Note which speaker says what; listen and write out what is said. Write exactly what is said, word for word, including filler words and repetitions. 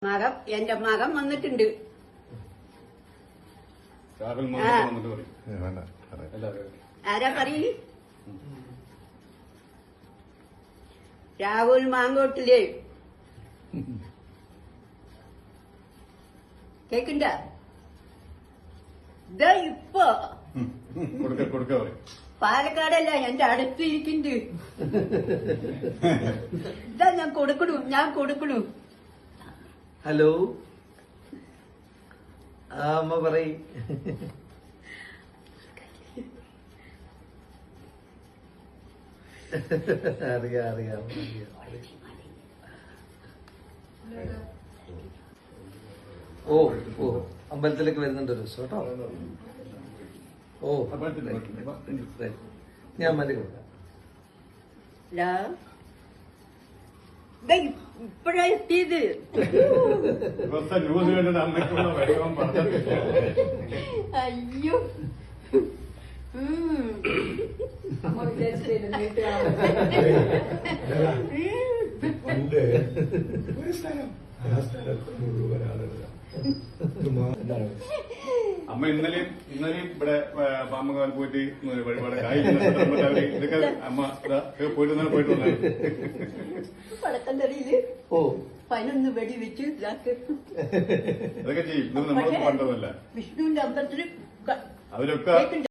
Speaker 1: മകൻ എന്റെ മകൻ വന്നിട്ടുണ്ട്. ആരാ പറയ്? രാഹുൽ മാങ്കോട്ടില്ലേ? കേക്കണ്ട? ഇതാ ഇപ്പൊ പാലക്കാടല്ല എന്റെ അടുത്തിരിക്കുന്നുണ്ട്. ഇതാ ഞാൻ കൊടുക്കണു ഞാൻ കൊടുക്കണു.
Speaker 2: ഹലോ, ആ അമ്മ പറയ്. അറിയാം അറിയാം ഓ ഓ അമ്പലത്തിലേക്ക് വരുന്നുണ്ട് ഒരു ദിവസം കേട്ടോ. ഓ ഞാൻ മതി കൊടുക്കാം.
Speaker 1: ഇപ്പഴാ എത്തിയത്. അയ്യോ
Speaker 3: അമ്മ ഇന്നലെയും ഇന്നലെയും ഇവിടെ പാമ്പുകാൽ പോയിട്ട് വഴിപാട് കായ് ഇതൊക്കെ അമ്മ പോയിട്ട് ഇന്നലെ പോയിട്ട്
Speaker 1: പടക്കം തറിയില്
Speaker 2: ഓ
Speaker 1: പതിനൊന്ന് വെടി വെച്ച്
Speaker 3: അതൊക്കെ ചെയ്യും. ഇത് നമ്മൾ പണ്ടതല്ല.
Speaker 1: വിഷ്ണുവിന്റെ അമ്പലത്തില്
Speaker 3: അവരൊക്കെ